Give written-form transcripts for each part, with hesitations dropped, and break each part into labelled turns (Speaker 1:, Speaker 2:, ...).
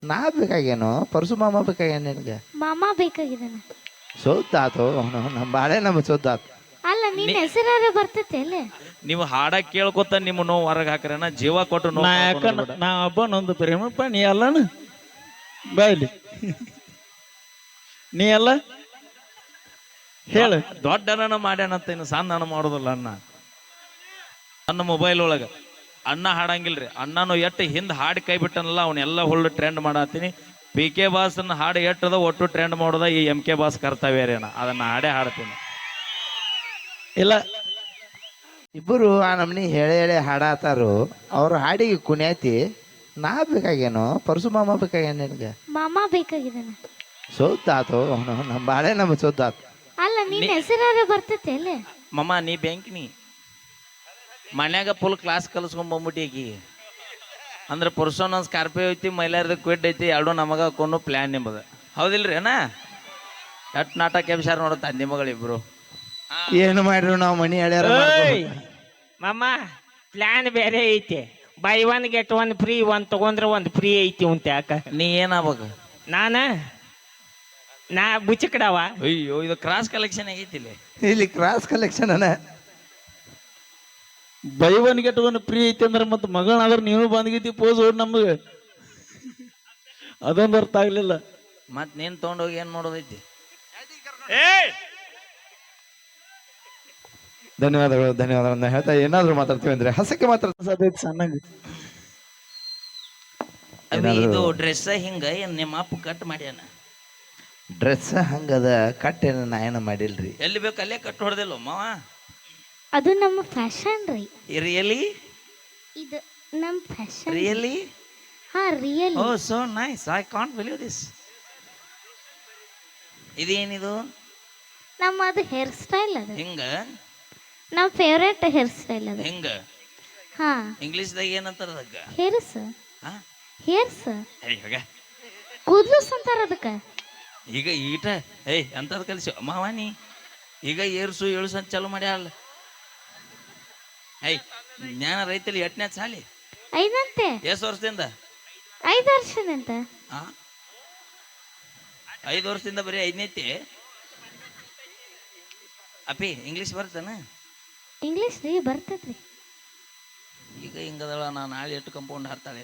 Speaker 1: ನಾ ಬೇಕಾಗೇನೋ ಪರಸು ಮಾಮ ಬೇಕಾಗ್ಯಾನ ನಿನಗೆ
Speaker 2: ಮಾಮ ಬೇಕಾಗಿದ್ದಾನ.
Speaker 1: ಸೋದ್ದಾತು ನಮ್ಮ ಬಾಳೆ ನಮ್ಮ ಸೋದ್ದಾತು.
Speaker 2: ಅಲ್ಲ ನಿನ್ನ ಹೆಸರಾರ ಬರ್ತೈತೆ ಅಲ್ಲಿ.
Speaker 3: ನೀವು ಹಾಡ ಕೇಳ್ಕೊತ ನಿಮ್ಮ ನೋವು ಹೊರಗೆ ಹಾಕ್ರನ ಜೀವ ಕೊಟ್ಟು ನೋವು
Speaker 4: ನಾ ಯಾಕ
Speaker 3: ಕಳ್ಕೊಂಡ್ ಬಿಡ.
Speaker 4: ನಾ ಒಬ್ಬನೊಂದು ಪ್ರೇಮಪ್ಪ ನೀ ಅಲ್ಲನ ಬಾಯ್ಲಿ ನೀ ಅಲ್ಲ ಹೇಳು.
Speaker 3: ದೊಡ್ಡ ಅಣ್ಣ ಮಾಡ್ಯಾನಂತ ಇನ್ನು ಸಣ್ಣ ಅಣ್ಣ ಮಾಡೋದಿಲ್ಲ ಅಣ್ಣ. ನನ್ನ ಮೊಬೈಲ್ ಒಳಗ ಅಣ್ಣ ಹಾಡಂಗಿಲ್ರಿ. ಅಣ್ಣನು ಎಟ್ಟು ಹಿಂದ್ ಹಾಡಿ ಕೈ ಬಿಟ್ಟನಲ್ಲ ಅವನ್ನೆಲ್ಲ ಹುಳ್ಳು ಟ್ರೆಂಡ್ ಮಾಡತ್ತೀನಿ. ಪಿ ಕೆ ಬಾಸ್ನ ಹಾಡು ಎಟ್ಟದ ಒಟ್ಟು ಟ್ರೆಂಡ್ ಮಾಡೋದ ಈ ಎಂ ಕೆ ಬಾಸ್ ಕರ್ತವ್ಯರೇನ ಅದನ್ನ ಹಾಡೇ ಹಾಡ್ತೀನಿ.
Speaker 4: ಇಲ್ಲ
Speaker 1: ಇಬ್ಬರು ಆ ನಮ್ನಿ ಹೇಳಿ ಹೇಳಿ ಹಾಡಾತಾರು. ಅವ್ರ ಹಾಡಿಗೆ ಕುಣ್ಯಾತಿ. ನಾ ಬೇಕಾಗೇನೋ ಪರಸು ಮಾಮ ಬೇಕಾಗ್ಯಾನ ನಿನಗೆ
Speaker 2: ಮಾಮ ಬೇಕಾಗಿದ್ದಾನ.
Speaker 1: ಸೋದ್ದಾತು ನಮ್ಮ ಬಾಳೆ ನಮ್ಮ ಸೋದ್ದಾತು.
Speaker 2: ಅಲ್ಲ ನಿನ್ನ ಹೆಸರಾರ ಬರ್ತೈತೆ ಅಲ್ಲಿ.
Speaker 3: ಮಮ್ಮ ನೀ ಬ್ಯಾಂಕ್ನಿ ಮನ್ಯಾಗ ಫುಲ್ ಕ್ಲಾಸ್ ಕಲಿಸ್ಕೊಂಡ್ ಬಂದ್ಬಿಟ್ಟು ಆಕಿ ಅಂದ್ರೆ ಪುರುಷನ ಸ್ಕಾರ್ಪಿಯೋ ಐತಿ ಮೈಲಾರದ ಕ್ವಿಡ್ ಐತಿ ಎರಡು ನಮಗ ಹಾಕೊಂಡು ಪ್ಲ್ಯಾನ್ ನಿಮ್ಮದ ಹೌದಿಲ್ರಿ ಅಣ್ಣ. ಎಟ್ ನಾಟಕ ಎಬ್ಸಾರ ನೋಡುತ್ತ ನಿಮಗಳಿಬ್ರು.
Speaker 1: ಏನು ಮಾಡ್ರು ನಾವು ಮನಿ ಹೇಳ್ಯಾರ
Speaker 5: ಮಾಮ ಪ್ಲಾನ್ ಬೇರೆ ಐತಿ. Buy one get one free, ಒಂದ್ ತಗೊಂಡ್ರೆ ಒಂದ್ ಫ್ರೀ ಐತಿ ಅಂತ. ಯಾಕ
Speaker 3: ನೀ ಏನಾಗ್ಬೇಕು?
Speaker 5: ನಾ ಬುಚ್ಚಕಡವ.
Speaker 3: ಅಯ್ಯೋ ಇದು ಕ್ರಾಸ್ ಕಲೆಕ್ಷನ್ ಆಗೈತಿ ಇಲ್ಲಿ.
Speaker 1: ಇಲ್ಲಿ ಕ್ರಾಸ್ ಕಲೆಕ್ಷನ್ ಅನ್ನ
Speaker 4: buy one get one free ಐತಿ ಅಂದ್ರೆ ಮತ್ತೆ ಮಗಳಾದ್ರೆ ನೀನು ಬಂದ್ಗಿತಿ ಪೋಸ್ ಓಡ್ ನಮಗೆ ಅದೊಂದು ಅರ್ಥ ಆಗ್ಲಿಲ್ಲ.
Speaker 3: ಮತ್ ನೀನ್ ತಗೊಂಡೋಗಿ ಏನ್ ಮಾಡೋದೈತಿ?
Speaker 1: ಧನ್ಯವಾದಗಳು ಧನ್ಯವಾದಗಳನ್ನ ಹೇಳ್ತಾ ಏನಾದ್ರು ಮಾತಾಡ್ತೀವಿ ಅಂದ್ರೆ ಹಸಕ್ಕೆ ಮಾತ್ರ
Speaker 4: ಸಣ್ಣಗೆ
Speaker 3: ಇದು ಡ್ರೆಸ್ ಹಿಂಗ ಏನ್ ನಿಮ್ಮ ಅಪ್ಪ ಕಟ್ ಮಾಡ್ಯಾನ?
Speaker 1: ಡ್ರೆಸ್ ಹಂಗದ ಕಟ್ಟೇನ ನಾ ಏನ ಮಾಡಿಲ್ರಿ.
Speaker 3: ಎಲ್ಲಿ ಬೇಕು ಅಲ್ಲೇ ಕಟ್ ಹೊಡೆದಿಲ್ಲ ಮಾವ.
Speaker 2: ಅದು ನಮ್ಮ ಫ್ಯಾಷನ್ ರೀ.
Speaker 3: ರಿಯಲಿ
Speaker 2: ಇದು ನಮ್ಮ ಫ್ಯಾಷನ್.
Speaker 3: ರಿಯಲಿ
Speaker 2: ಹಾ real.
Speaker 3: Oh so nice, I can't believe this. ಇದೇನಿದು?
Speaker 2: ನಮ್ಮ ಅದು ಹೇರ್ ಸ್ಟೈಲ್ ಅದು.
Speaker 3: ಹಿಂಗ
Speaker 2: ನಮ್ಮ ಫೇವ್ರೇಟ್ ಹೇರ್ ಸ್ಟೈಲ್ ಅದು.
Speaker 3: ಹಿಂಗ
Speaker 2: ಹಾ
Speaker 3: ಇಂಗ್ಲಿಷ್ದಾಗ ಏನಂತಾರ ಅದಕ್ಕ?
Speaker 2: ಹೇರ್ಸ್.
Speaker 3: ಹಾ
Speaker 2: ಹೇರ್ಸ್
Speaker 3: ಇವಾಗ
Speaker 2: ಕೂದ್ಲುಸ್ ಅಂತಾರ ಅದಕ್ಕ.
Speaker 3: ಈಗ ಈಟ ಅಂತದ್ ಕಲಿಸಿ ಮಾವ ನೀ ಈಗ ಏರ್ಸು ಏಳ್ಸು ಅಂತ ಚಾಲು ಮಾಡ್ಯಾಳ. ಜ್ಞಾನ ರೈತಲ್ಲಿ ಎಟ್ನೇ ಸಾಲಿ?
Speaker 2: ಐದಂತೆ.
Speaker 3: ಎಷ್ಟು ವರ್ಷದಿಂದ?
Speaker 2: 5 ವರ್ಷದಂತ.
Speaker 3: 5 ವರ್ಷದಿಂದ ಬರೀ 5ನೇತಿ. ಅಪ್ಪಿ ಇಂಗ್ಲೀಷ್ ಬರ್ತಾನ?
Speaker 2: ಇಂಗ್ಲೀಷ್ ರೀ ಬರ್ತೈತ್ರಿ.
Speaker 3: ಈಗ ಹಿಂಗದಳ ನಾ ನಾಳೆ ಎಷ್ಟು ಕಂಪೌಂಡ್ ಹಾರ್ತಾಳೆ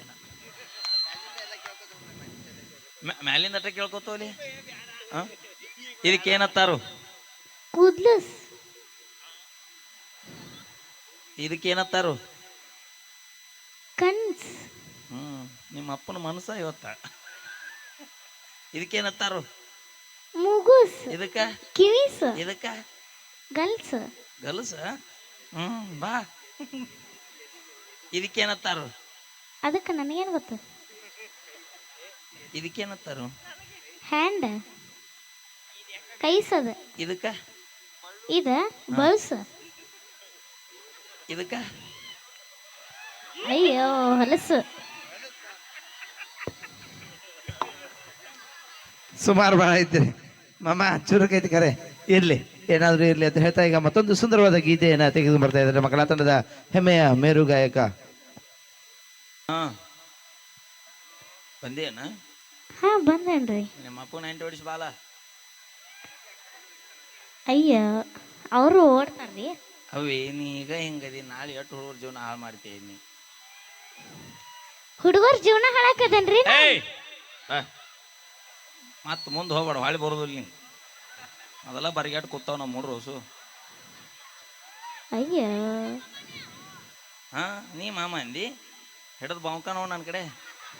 Speaker 3: ಮ್ಯಾಲಿಂದ ಅಟ್ಟ ಕೇಳ್ಕೊತೋಲಿ. ಇದಕ್ಕೇನತ್ತಾರು?
Speaker 2: ಕೂದ್ಲುಸ್.
Speaker 3: ಇದಕ್ಕೇನತ್ತಾರು?
Speaker 2: ಕನ್ಸ್.
Speaker 3: ನಿಮ್ಮ ಅಪ್ಪನ ಮನಸ್ಸ ಇವತ್ತ. ಇದಕ್ಕೇನತ್ತಾರು?
Speaker 2: ಮೂಗುಸ್.
Speaker 3: ಇದಕ್ಕ?
Speaker 2: ಕಿವಿಸ್.
Speaker 3: ಇದಕ್ಕ?
Speaker 2: ಗಲ್ಸ್.
Speaker 3: ಗಲಸ. ಬಾ. ಇದಕ್ಕೇನತ್ತಾರು?
Speaker 2: ಅದಕ್ಕೆ ನನಗೇನು ಗೊತ್ತು.
Speaker 3: ಇದಕ್ಕೇನತ್ತಾರು?
Speaker 2: ಹ್ಯಾಂಡ್. ಕೈಸದ.
Speaker 3: ಇದಕ್ಕ?
Speaker 2: ಇದ ಬಲ್ಸ್.
Speaker 3: ಇದಕ್ಕ?
Speaker 2: ಅಯ್ಯೋ ಹೊಲಸು.
Speaker 1: ಸುಮಾರು ಭಾಳ ಐತ್ರಿ ಮಾಮ. ಚುರುಕೈತಿ ಕರೆ. ಇರ್ಲಿ ಏನಾದ್ರು ಇರ್ಲಿ ಅಂತ ಹೇಳ್ತಾ ಈಗ ಮತ್ತೊಂದು ಸುಂದರವಾದ ಗೀತೆಯನ್ನ ತೆಗೆದು ಬರ್ತಾ ಇದ್ದಾರೆ ಮಕ್ಕಳ ತಂಡದ ಹೆಮ್ಮೆಯ ಮೇರು ಗಾಯಕ.
Speaker 3: ಬಂದೇನ?
Speaker 2: ಹಾ ಬಂದೇನ್ರಿ.
Speaker 3: ನಿಮ್ಮ ಅಪ್ಪ 90 ಹೊಡಿಸ್ ಬಾಲ.
Speaker 2: ಅಯ್ಯ ಅವರು ಓಡ್ತಾರ್ರಿ.
Speaker 3: ಅವೇ ನೀ ಈಗ ಹಿಂಗದಿ ನಾಳೆ ಎಷ್ಟು ಹುಡುಗರ ಜೀವನ ಹಾಳು ಮಾಡ್ತೀನಿ.
Speaker 2: ಹುಡುಗರ ಜೀವನ ಹಾಳಾಕದನ್ರಿ.
Speaker 3: ಮತ್ ಮುಂದೆ ಹೋಗ್ಬೇಡ, ಹೊಳಿ ಬರೋದಿಲ್ಲ ನೀ. ಅದೆಲ್ಲ ಬರಿಗಾಟ್ ಕೂತಾವ ನಮ್ಮ ಮೂಡ್ರು ಹೊಸು.
Speaker 2: ಅಯ್ಯ
Speaker 3: ನೀ ಮಾಮ ಅಂದಿ ಹಿಡದ್ ಬಾಂಕ ನೋಡ್ ನನ್ನ ಕಡೆ.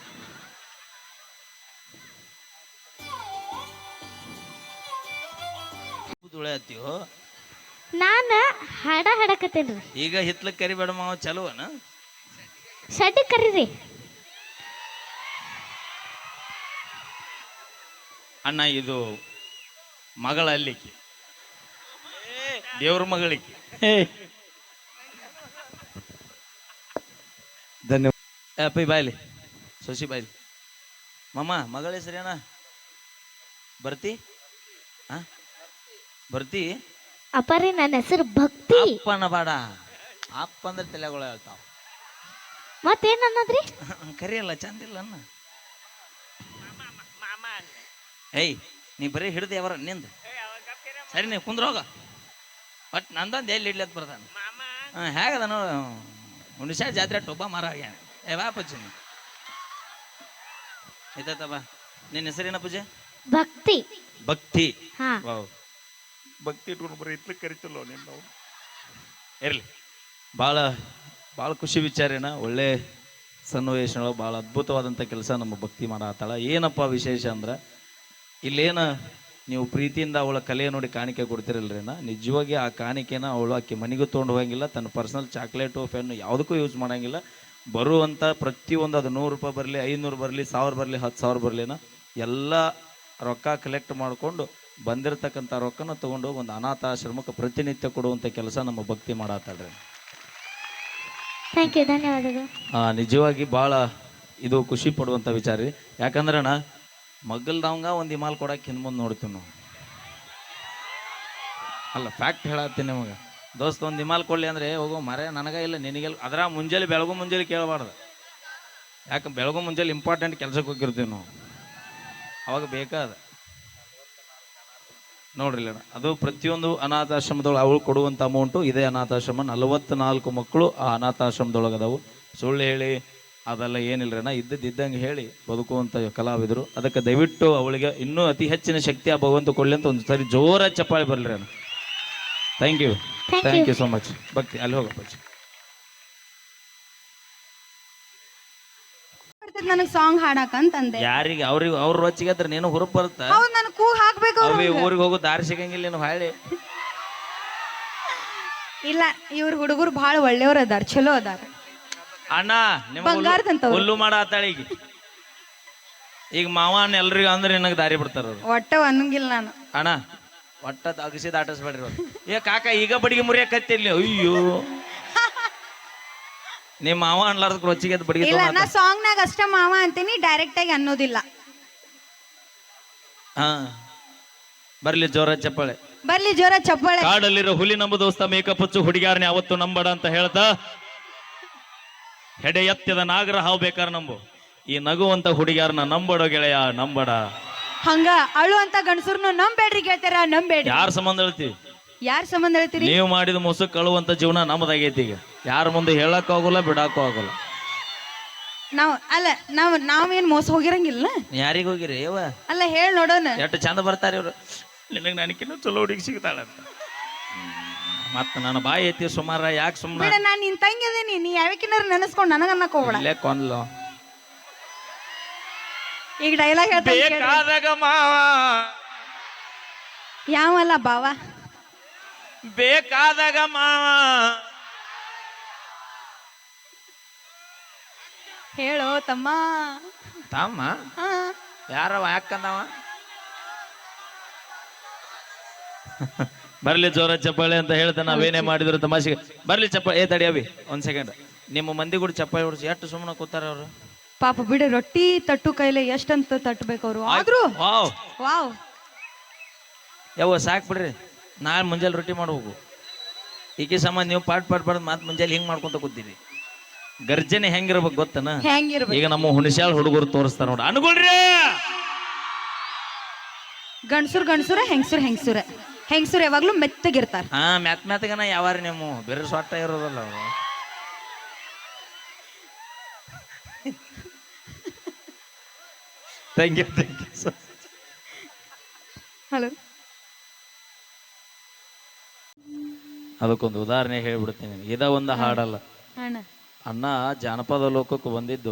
Speaker 3: ತುಳೆ ಹತ್ತೀವೋ.
Speaker 2: ನಾನ ಹಾಡ ಹಾಡಕತ್ತೇನ್ರಿ.
Speaker 3: ಈಗ ಹಿತ್ಲಕ್ ಕರಿಬೇಡ ಮಾವ ಚಲೋನ.
Speaker 2: ಶಡ್ಡ ಕರೀರಿ.
Speaker 3: ಅಣ್ಣ ಇದು ಮಗಳ ಅಲ್ಲಿಕ್ಕೆ ದೇವ್ರ ಮಗಳಿಕೆ.
Speaker 1: ಧನ್ಯವಾದ.
Speaker 3: ಅಪ್ಪಿ ಬಾಯ್ಲಿ ಸೊಸಿ ಬಾಯ್ಲಿ. ಮಾಮ ಮಗಳ ಹೆಸರೇನ? ಬರ್ತಿ? ಬರ್ತಿ?
Speaker 2: ಅಪ್ಪಾರಿ ನನ್ನ ಹೆಸರು ಭಕ್ತಿ.
Speaker 3: ಅಪ್ಪನ ಬಾಡ. ಅಪ್ಪ ಅಂದ್ರೆ ತಲೆಗಳು ಹೇಳ್ತಾವ.
Speaker 2: ಮತ್ತೇನ್ ಅನ್ನೋದ್ರಿ?
Speaker 3: ಕರಿಯಲ್ಲ ಚಂದಿಲ್ಲ ಅನ್ನ. ಏಯ್ ನೀ ಬರೀ ಹಿಡ್ದು ಯಾವಾರ ನಿಂದ ಸರಿ ನೀವು ಕುಂದ್ರೋಗ ಬಟ್ ನಂದೊಂದು ಎಲ್ಲಿ ಇಡ್ಲತ್ ಬರ್ತಾನೆ ಹಾಂ ಹೇಗದ ನೋಡು ಹುಣಸೆ ಜಾತ್ರೆ ಟೊಬ್ಬ ಮರ ಆಗ್ಯಾನ ಏ ಬಾ ಪೂಜೆ ಆಯ್ತಾಯ್ತ ಬಾ ನಿನ್ನ ಹೆಸರೇನ ಪೂಜೆ
Speaker 2: ಭಕ್ತಿ.
Speaker 3: ಭಕ್ತಿ
Speaker 2: ಹಾ.
Speaker 3: ವಾವ್ ಭಕ್ತಿ ಇಟ್ಕೊಂಡು ಬರೀ ಇತ್ಲಿಕ್ಕೆ ಕರಿತಲ್ಲೋ ನಿನ್ನ ಇರಲಿ ಭಾಳ ಭಾಳ ಖುಷಿ ವಿಚಾರೇನ ಒಳ್ಳೆ ಸನ್ನಿವೇಶಗಳು ಭಾಳ ಅದ್ಭುತವಾದಂಥ ಕೆಲಸ ನಮ್ಮ ಭಕ್ತಿ ಮಾಡತ್ತಾಳ. ಏನಪ್ಪ ವಿಶೇಷ ಅಂದ್ರೆ ಇಲ್ಲೇನು ನೀವು ಪ್ರೀತಿಯಿಂದ ಅವಳ ಕಲೆ ನೋಡಿ ಕಾಣಿಕೆ ಕೊಡ್ತಿರಲ್ರಿನ ನಿಜವಾಗಿ ಆ ಕಾಣಿಕೆನ ಅವಳು ಆಕೆ ಮನೆಗೂ ತೊಗೊಂಡು ಹೋಗಂಗಿಲ್ಲ, ತನ್ನ ಪರ್ಸನಲ್ ಚಾಕ್ಲೇಟು ಪೆನ್ನು ಯಾವುದಕ್ಕೂ ಯೂಸ್ ಮಾಡೋಂಗಿಲ್ಲ. ಬರುವಂಥ ಪ್ರತಿಯೊಂದು ಅದು 100 ರೂಪಾಯಿ ಬರಲಿ 500 ಬರಲಿ 1000 ಬರಲಿ 10,000 ಬರಲಿನ ಎಲ್ಲ ರೊಕ್ಕ ಕಲೆಕ್ಟ್ ಮಾಡಿಕೊಂಡು ಬಂದಿರತಕ್ಕಂಥ ರೊಕ್ಕನ ತೊಗೊಂಡು ಒಂದು ಅನಾಥಾಶ್ರಮಕ್ಕೆ ಪ್ರತಿನಿತ್ಯ ಕೊಡುವಂಥ ಕೆಲಸ ನಮ್ಮ ಭಕ್ತಿ ಮಾಡತ್ತಾಳ್ರಿ.
Speaker 2: ಥ್ಯಾಂಕ್ ಯು, ಧನ್ಯವಾದಗಳು.
Speaker 3: ನಿಜವಾಗಿ ಭಾಳ ಇದು ಖುಷಿ ಪಡುವಂಥ ವಿಚಾರ ರೀ. ಯಾಕಂದ್ರೆ ಅಣ್ಣ ಮಗ್ಗಲ್ದವಂಗ ಒಂದು ಹಿಮಾಲ್ ಕೊಡಕ್ಕೆ ಹಿಂದೆ ಮುಂದೆ ನೋಡ್ತೀವಿ ನಾವು. ಅಲ್ಲ ಫ್ಯಾಕ್ಟ್ ಹೇಳತ್ತೀನಿ ನಿಮಗೆ. ದೋಸ್ತ ಒಂದು ಹಿಮಾಲ್ ಕೊಡಲಿ ಅಂದರೆ ಹೋಗೋ ಮರೆ ನನಗೆ ಇಲ್ಲ ನಿನಗೆಲ್ಲ ಅದರ ಮುಂಜಾನೆ ಬೆಳಗು ಮುಂಜಾನೆ ಕೇಳಬಾರ್ದು. ಯಾಕೆ ಬೆಳಗು ಮುಂಜಾನೆ ಇಂಪಾರ್ಟೆಂಟ್ ಕೆಲಸಕ್ಕೆ ಹೋಗಿರ್ತೀವಿ ನಾವು, ಅವಾಗ ಬೇಕಾದ ನೋಡ್ರಿ ಅಣ್ಣ. ಅದು ಪ್ರತಿಯೊಂದು ಅನಾಥಾಶ್ರಮದೊಳಗೆ ಅವಳು ಕೊಡುವಂಥ ಅಮೌಂಟು ಇದೇ ಅನಾಥಾಶ್ರಮ 44 ಮಕ್ಕಳು ಆ ಅನಾಥಾಶ್ರಮದೊಳಗೆ ಅದಾವು. ಸುಳ್ಳು ಹೇಳಿ ಅದೆಲ್ಲ ಏನಿಲ್ಲರಣ್ಣ, ಇದ್ದಂಗೆ ಹೇಳಿ ಬದುಕುವಂಥ ಕಲಾವಿದರು. ಅದಕ್ಕೆ ದಯವಿಟ್ಟು ಅವಳಿಗೆ ಇನ್ನೂ ಅತಿ ಹೆಚ್ಚಿನ ಶಕ್ತಿ ಆ ಭಗವಂತ ಕೊಡಲಿ ಅಂತ ಒಂದು ಸರಿ ಜೋರ ಚಪ್ಪಾಳೆ ಬರಲಿ ಅಣ್ಣ. Thank you so much. ಭಕ್ತಿ ಅಲ್ಲಿ ಹೋಗಪ್ಪ.
Speaker 6: ನನಗ್ ಸಾಂಗ್ ಹಾಡಕಂತಂದೆ.
Speaker 3: ಯಾರಿಗೆ ಅವ್ರಿಗೆ ಅವ್ರ ರೊಚ್ಚಿಗೆ ಅದ್ರ ನೀನು ಹುರುಪ್ ಬರುತ್ತಾ?
Speaker 6: ಹೌದ್ ನನ್ ಕೂ ಹಾಕ್ಬೇಕು.
Speaker 3: ಊರಿಗೆ ಹೋಗೋ ದಾರಿ ಸಿಗಂಗಿಲ್ಲ ನೀನು ಹಾಳಿ.
Speaker 6: ಇಲ್ಲ ಇವ್ರ ಹುಡುಗರು ಬಹಳ ಒಳ್ಳೆಯವ್ರ ಅದಾರ, ಚಲೋ ಅದಾರ.
Speaker 3: ಅಣ್ಣ ನಿಮ್ಮ
Speaker 6: ಬಂಗಾರದಂತವ್ರು.
Speaker 3: ಹುಲ್ಲು ಮಾಡ ಆತಾಳ ಈಗ ಮಾವನ್ ಎಲ್ರಿಗೂ ಅಂದ್ರೆ ನಿನಗೆ ದಾರಿ ಬಿಡ್ತಾರ ಅವ್ರು.
Speaker 6: ಒಟ್ಟ ಅನ್ನಂಗಿಲ್ಲ ನಾನು.
Speaker 3: ಅಣ್ಣ ಒಟ್ಟ ಅಗಸಿ ದಾಟಿಸ್ಬೇಡ್ರಿ ಅವ್ರು. ಏ ಕಾಕ ಈಗ ಬಡಿಗೆ ಮುರಿಯಕತ್ತಿರ್ಲಿ. ಅಯ್ಯೋ ನಿಮ್ಮ ಮಾವ ಅನ್ಲಾರ್ದ ರೊಚ್ಚಿಗೆ ಬಡಿಗೆ
Speaker 6: ಇಲ್ಲ ನಾ ಸಾಂಗ್ ನಾಗ ಅಷ್ಟ ಮಾವ ಅಂತೀನಿ, ಡೈರೆಕ್ಟ್ ಆಗಿ ಅನ್ನೋದಿಲ್ಲ.
Speaker 3: ಹಾ ಬರ್ಲಿ ಜೋರ ಚಪ್ಪಾಳೆ
Speaker 6: ಬರ್ಲಿ ಜೋರ ಚಪ್ಪಾಳೆ.
Speaker 3: ಕಾಡಲ್ಲಿರೋ ಹುಲಿ ನಮ್ಮ ದೋಸ್ತ ಮೇಕಪ್ ಹಚ್ಚು ಹುಡುಗಾರನೆ ಅವತ್ತು ನಂಬಡ ಅಂತ ಹೇಳ್ತಾ ಹೆಡೆ ಎತ್ತದ ನಾಗರ ಹಾವು ಬೇಕಾದ್ರೆ ನಂಬು, ಈ ನಗುವಂತ ಹುಡುಗಿಯಾರನ್ನ ನಂಬಡೋ ಗೆಳೆಯ ನಂಬಡ.
Speaker 6: ಹಂಗ ಅಳು ಅಂತ ಗಂಡಸರ್ನು ನಂಬೇಡ್ರಿ ಕೇಳ್ತಾರ, ನಂಬೇಡ್ರಿ.
Speaker 3: ಯಾರ ಸಂಬಂಧ ಹೇಳ್ತೀವಿ?
Speaker 6: ಯಾರ ಸಂಬಂಧ ಹೇಳ್ತೀರಿ?
Speaker 3: ನೀವು ಮಾಡಿದ ಮುಸುಕ್ ಕಳುವಂತ ಜೀವನ ನಮ್ಮದಾಗೈತಿ. ಈಗ ಯಾರ ಮುಂದೆ ಹೇಳಕ್ಕೂ ಆಗೋಲ್ಲ ಬಿಡಕ್ಕೂ ಆಗೋಲ್ಲ.
Speaker 6: ನಾವೇನ್ ಮೋಸ ಹೋಗಿರಂಗಿಲ್ಲ.
Speaker 3: ಯಾರಿಗ ಹೋಗಿರಿ ಯವ?
Speaker 6: ಅಲ್ಲ ಹೇಳ್ ನೋಡೋಣ.
Speaker 3: ಎಷ್ಟು ಚಂದ ಬರ್ತಾರೆ ಇವ್ರು. ನಿನಗೆ ನನಗಿನ್ನೂ ಚಲೋ ಹುಡುಗಿ ಸಿಗ್ತಾಳಂತ ಮತ್ತ ನನ್ನ ಬಾಯಿ ಐತಿ ಸುಮಾರ. ಯಾಕೆ ಸುಮ್ಮನೆ
Speaker 6: ನಾನ್ ನಿನ್ ತಂಗಿದೀನಿ, ನೀ ಯಾವಕ್ಕಿನಾರ ನೆನೆಸ್ಕೊಂಡ್ ನನಗ ಅನ್ನಕ್ ಹೋಗ್ಬೇಡ.
Speaker 3: ಇಲ್ಲೇ ಕೊಂದ್ಲು.
Speaker 6: ಈಗ ಡೈಲಾಗ್
Speaker 3: ಬೇಕಾದಾಗ ಮಾವ
Speaker 6: ಯಾವಲ್ಲ ಬಾವ,
Speaker 3: ಬೇಕಾದಾಗ ಮಾವ
Speaker 6: ಹೇಳೋ ತಮ್ಮ.
Speaker 3: ತಮ್ಮ ಯಾರವ ಯಾಕಂದವ? ಬರ್ಲಿ ಜೋರ ಚಪ್ಪಾಳೆ ಅಂತ ಹೇಳ್ತಾ ನಾವೇನೇ ಮಾಡಿದ್ರು ತಮಾಷೆಗೆ. ಬರ್ಲಿ ಚಪ್ಪಾಳೆ. ತಡಿ ಅವಿ ಒಂದ್ ಸೆಕೆಂಡ್. ನಿಮ್ಮ ಮಂದಿ ಕೂಡ ಚಪ್ಪಾಳೆ ಹೊಡ್ಸಿ ಎಷ್ಟು ಸುಮ್ಮನೆ ಕೂತಾರ ಅವರು.
Speaker 6: ಪಾಪ ಬಿಡು, ರೊಟ್ಟಿ ತಟ್ಟು ಕೈಲೆ ಎಷ್ಟಂತ ತಟ್ಟಬೇಕು ಅವರು. ಆದ್ರೂ
Speaker 3: ವಾವ್
Speaker 6: ವಾವ್
Speaker 3: ಯಾವ ಸಾಕ್ ಬಿಡ್ರಿ. ನಾಳೆ ಮುಂಜಾನೆ ರೊಟ್ಟಿ ಮಾಡ್ಬೇಕು. ಈಕೆ ಸಂಬಂಧ ನೀವು ಪಾಟ್ ಬಡ್ದು ಮಾತು ಮುಂಜಾನೆ ಹಿಂಗ್ ಮಾಡ್ಕೊಂತ ಕೂತೀರಿ. ಗರ್ಜನೆ ಹೆಂಗಿರ್ಬೇಕು ಗೊತ್ತನ?
Speaker 6: ಹೆಂಗಿರ್ಬೇಕು?
Speaker 3: ಈಗ ನಮ್ಮ ಹುಣಸ್ಯಾಳ ಹುಡುಗರು ತೋರಿಸ್ತಾರ ನೋಡ. ಅನ್ಕೊಳ್ರಿ,
Speaker 6: ಗಂಡಸುರ ಹೆಂಗಸುರ ಯಾವಾಗ್ಲೂ ಮೆತ್ತಗಿರ್ತಾರ.
Speaker 3: ಹಾ ಮ್ಯಾತ್ಗನ ಯಾವಾರ ನೀವು ಬೇರೆ ಸೊಟ್ಟ ಇರೋದಲ್ಲ ಅವರು. Thank you
Speaker 6: hello.
Speaker 3: ಅದಕ್ಕೊಂದು ಉದಾಹರಣೆ ಹೇಳ್ಬಿಡ್ತೀನಿ. ಇದ ಒಂದು ಹಾಡಲ್ಲ ಅಣ್ಣ. ಜಾನಪದ ಲೋಕಕ್ಕೆ ಬಂದಿದ್ದು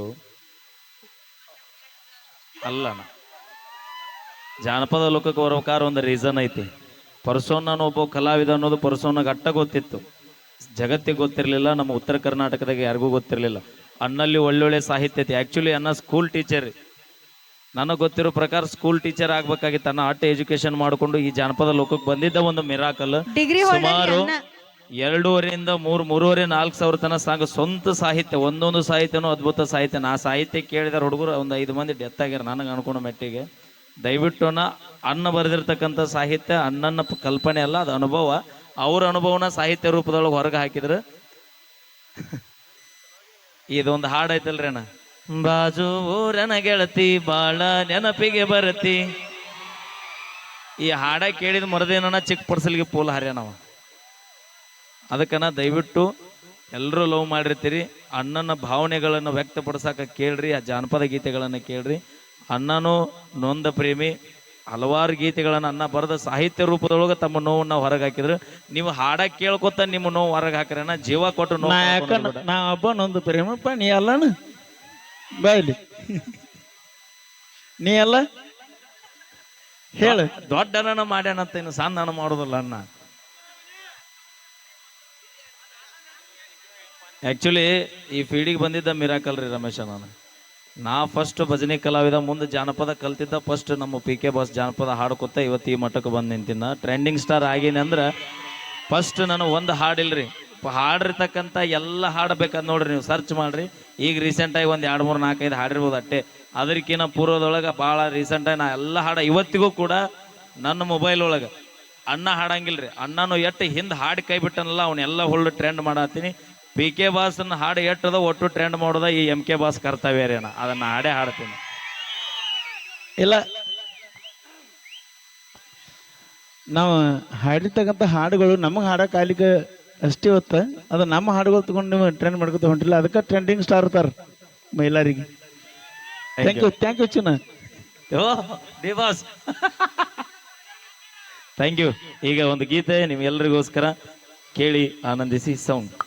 Speaker 3: ಅಲ್ಲಣ್ಣ. ಜಾನಪದ ಲೋಕಕ್ಕೆ ಬರ್ಬೇಕಾದ್ರೆ ಒಂದು ರೀಸನ್ ಐತಿ. ಪರ್ಸೋನ ಒಬ್ಬ ಕಲಾವಿದ ಅನ್ನೋದು ಪರ್ಸೋನಾಗ ಅಟ್ಟ ಗೊತ್ತಿತ್ತು, ಜಗತ್ತಿಗೆ ಗೊತ್ತಿರಲಿಲ್ಲ. ನಮ್ಮ ಉತ್ತರ ಕರ್ನಾಟಕದಾಗ ಯಾರಿಗೂ ಗೊತ್ತಿರಲಿಲ್ಲ. ಅಣ್ಣಲ್ಲಿ ಒಳ್ಳೊಳ್ಳೆ ಸಾಹಿತ್ಯ ಐತಿ. ಆ್ಯಕ್ಚುಲಿ ಅಣ್ಣ ಸ್ಕೂಲ್ ಟೀಚರ್. ನನಗೆ ಗೊತ್ತಿರೋ ಪ್ರಕಾರ ಸ್ಕೂಲ್ ಟೀಚರ್ ಆಗ್ಬೇಕಾಗಿತ್ತು. ಅಣ್ಣ ಅಟ್ಟ ಎಜುಕೇಶನ್ ಮಾಡಿಕೊಂಡು ಈ ಜಾನಪದ ಲೋಕಕ್ಕೆ ಬಂದಿದ್ದ ಒಂದು ಮಿರಾಕಲ್. ಸುಮಾರು 2.5 3,500 4,000 ತನ ಸಾಂಗ್ ಸ್ವಂತ ಸಾಹಿತ್ಯ. ಒಂದೊಂದು ಸಾಹಿತ್ಯನೂ ಅದ್ಭುತ ಸಾಹಿತ್ಯ. ನಾ ಸಾಹಿತ್ಯ ಕೇಳಿದ ಹುಡುಗರು ಒಂದು 5 ಮಂದಿ ಡೆತ್ ಆಗ್ಯಾರ ನನಗೆ ಅನ್ಕೊಂಡು ಮೆಟ್ಟಿಗೆ. ದಯವಿಟ್ಟು ಅಣ್ಣ ಬರೆದಿರ್ತಕ್ಕಂಥ ಸಾಹಿತ್ಯ ಅಣ್ಣನ ಕಲ್ಪನೆ ಅಲ್ಲ, ಅದು ಅನುಭವ. ಅವ್ರ ಅನುಭವನ ಸಾಹಿತ್ಯ ರೂಪದೊಳಗೆ ಹೊರಗೆ ಹಾಕಿದ್ರು. ಇದೊಂದು ಹಾಡು ಐತಲ್ರಿ ಅಣ್ಣ, ಬಾಜು ಊರನ ಗೆಳತಿ ಬಾಳ ನೆನಪಿಗೆ ಬರತಿ. ಈ ಹಾಡ ಕೇಳಿದ ಮರದೇನ ಚಿಕ್ಕ ಪರ್ಸಲ್ಗೆ ಪೋಲ್ ಹಾರ್ಯಾನವ. ಅದಕ್ಕನ ದಯವಿಟ್ಟು ಎಲ್ಲರೂ ಲವ್ ಮಾಡಿರ್ತೀರಿ. ಅಣ್ಣನ ಭಾವನೆಗಳನ್ನು ವ್ಯಕ್ತಪಡಿಸಕ ಕೇಳ್ರಿ, ಆ ಜಾನಪದ ಗೀತೆಗಳನ್ನು ಕೇಳ್ರಿ. ಅಣ್ಣನು ನೊಂದ ಪ್ರೇಮಿ, ಹಲವಾರು ಗೀತೆಗಳನ್ನು ಅನ್ನ ಬರೆದ ಸಾಹಿತ್ಯ ರೂಪದೊಳಗೆ ತಮ್ಮ ನೋವನ್ನ ಹೊರಗೆ ಹಾಕಿದ್ರು. ನೀವು ಹಾಡ ಕೇಳ್ಕೊತ ನಿಮ್ಮ ನೋವು ಹೊರಗೆ ಹಾಕ್ರನ ಜೀವ ಕೊಟ್ಟು
Speaker 4: ನಾ ಯಾಕ ನಾ ಹಬ್ಬ ನೊಂದು ಪ್ರೇಮಪ್ಪ, ನೀ ಅಲ್ಲಣ ಬಾಯ್ಲಿ, ನೀ ಅಲ್ಲ ಹೇಳು.
Speaker 3: ದೊಡ್ಡ ಅಣ್ಣನ ಮಾಡ್ಯಾನಂತ ಇನ್ನು ಸಣ್ಣ ಅಣ್ಣ ಮಾಡೋದಿಲ್ಲ ಅಣ್ಣ. ಆಕ್ಚುಲಿ ಈ ಫೀಲ್ಡಿಗೆ ಬಂದಿದ್ದ ಮಿರಾಕಲ್ ರೀ ರಮೇಶ. ನಾ ಫಸ್ಟ್ ಭಜನೆ ಕಲಾವಿದ, ಮುಂದೆ ಜಾನಪದ ಕಲ್ತಿದ್ದ. ಫಸ್ಟ್ ನಮ್ಮ PK ಬಾಸ್ ಜಾನಪದ ಹಾಡ್ಕೊತ ಇವತ್ತು ಈ ಮಟ್ಟಕ್ಕೆ ಬಂದು ನಿಂತಿನ. ಟ್ರೆಂಡಿಂಗ್ ಸ್ಟಾರ್ ಆಗೀನಿ ಅಂದ್ರೆ ಫಸ್ಟ್ ನಾನು ಒಂದು ಹಾಡಿಲ್ರಿ, ಹಾಡಿರ್ತಕ್ಕಂಥ ಎಲ್ಲ ಹಾಡಬೇಕಂತ ನೋಡ್ರಿ, ನೀವು ಸರ್ಚ್ ಮಾಡ್ರಿ. ಈಗ ರೀಸೆಂಟಾಗಿ ಒಂದು 2, 3, 4, 5 ಹಾಡಿರ್ಬೋದು ಅಟ್ಟೆ. ಅದಕ್ಕಿಂತ ಪೂರ್ವದೊಳಗೆ ಭಾಳ ರೀಸೆಂಟಾಗಿ ನಾ ಎಲ್ಲ ಹಾಡ ಇವತ್ತಿಗೂ ಕೂಡ ನನ್ನ ಮೊಬೈಲ್ ಒಳಗೆ ಅಣ್ಣ ಹಾಡಂಗಿಲ್ರಿ. ಅಣ್ಣನು ಎಟ್ಟು ಹಿಂದೆ ಹಾಡಿ ಕೈ ಬಿಟ್ಟನಲ್ಲ ಅವನ್ನೆಲ್ಲ ಹುಳ್ಳು ಟ್ರೆಂಡ್ ಮಾಡತ್ತೀನಿ. PK ಬಾಸ್ನ ಹಾಡು ಎಟ್ಟದ ಒಟ್ಟು ಟ್ರೆಂಡ್ ಮಾಡೋದ ಈ MK ಬಾಸ್ ಕರ್ತವ್ಯ ರೀ ಅಣ್ಣ. ಅದನ್ನ ಹಾಡೇ ಹಾಡ್ತೀನಿ.
Speaker 4: ಇಲ್ಲ, ನಾವು ಹಾಡಿರ್ತಕ್ಕಂಥ ಹಾಡುಗಳು ನಮಗೆ ಹಾಡಕ್ಕೆ ಆಗ್ಲಿಕ್ಕೆ ಅಷ್ಟೇ ಹೊತ್ತ, ಅದು ನಮ್ಮ ಹಾಡುಗಳು ತಗೊಂಡು ನೀವು ಟ್ರೆಂಡ್ ಮಾಡ್ಕೊತ ಹೊಂಟಿಲ್ಲ. ಅದಕ್ಕೆ ಟ್ರೆಂಡಿಂಗ್ ಸ್ಟಾರ್ ಇರ್ತಾರೆ ಮೈಲಾರಿಗೆ. ಥ್ಯಾಂಕ್ ಯು ಚಿನ್ನ.
Speaker 3: Oh D boss thank you. ಈಗ ಒಂದು ಗೀತೆ ನಿಮ್ಗೆಲ್ಲರಿಗೋಸ್ಕರ ಕೇಳಿ ಆನಂದಿಸಿ. ಸೌಂಡ್